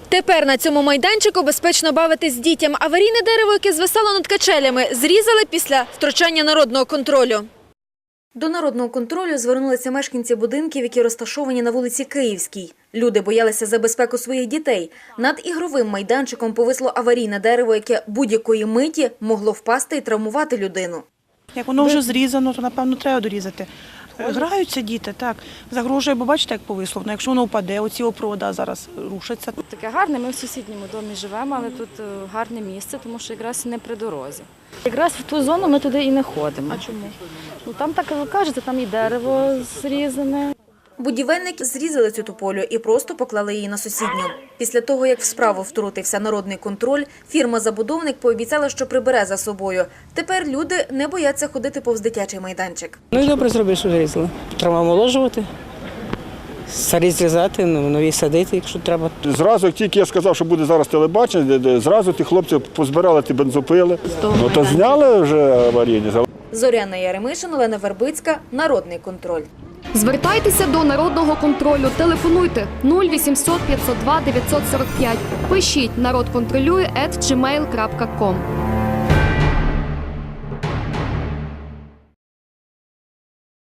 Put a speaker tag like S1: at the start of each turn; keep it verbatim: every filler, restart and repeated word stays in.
S1: Тепер на цьому майданчику безпечно бавитись дітям. Аварійне дерево, яке звисало над качелями, зрізали після втручання народного контролю. До народного контролю звернулися мешканці будинків, які розташовані на вулиці Київській. Люди боялися за безпеку своїх дітей. Над ігровим майданчиком повисло аварійне дерево, яке будь-якої миті могло впасти і травмувати людину.
S2: Як воно вже зрізано, то, напевно, треба дорізати. Граються діти, так. Загрожує, бо бачите, як повисло. Ну, якщо воно впаде, оці опорода зараз рушаться.
S3: Таке гарне, ми в сусідньому домі живемо, але тут гарне місце, тому що якраз не при дорозі. Якраз в ту зону ми туди і не ходимо. А чому? Ну, там так кажете, там і дерево зрізане.
S1: Будівельники зрізали цю тополю і просто поклали її на сусідню. Після того, як в справу втрутився народний контроль, фірма-забудовник пообіцяла, що прибере за собою. Тепер люди не бояться ходити повз дитячий майданчик.
S4: Ну і добре зробили, що зрізали. Треба омоложувати, старі зрізати, нові садити, якщо треба.
S5: Зразу, як тільки я сказав, що буде зараз телебачення, зразу ті хлопці позбирали ті бензопили. Ну то зняли вже аварійні.
S1: Зоряна Яремишин, Олена Вербицька, Народний контроль.
S6: Звертайтеся до Народного контролю. Телефонуйте нуль вісімсот п'ятсот два дев'ятсот сорок п'ять. Пишіть «Народ контролює» ет джі мейл крапка ком.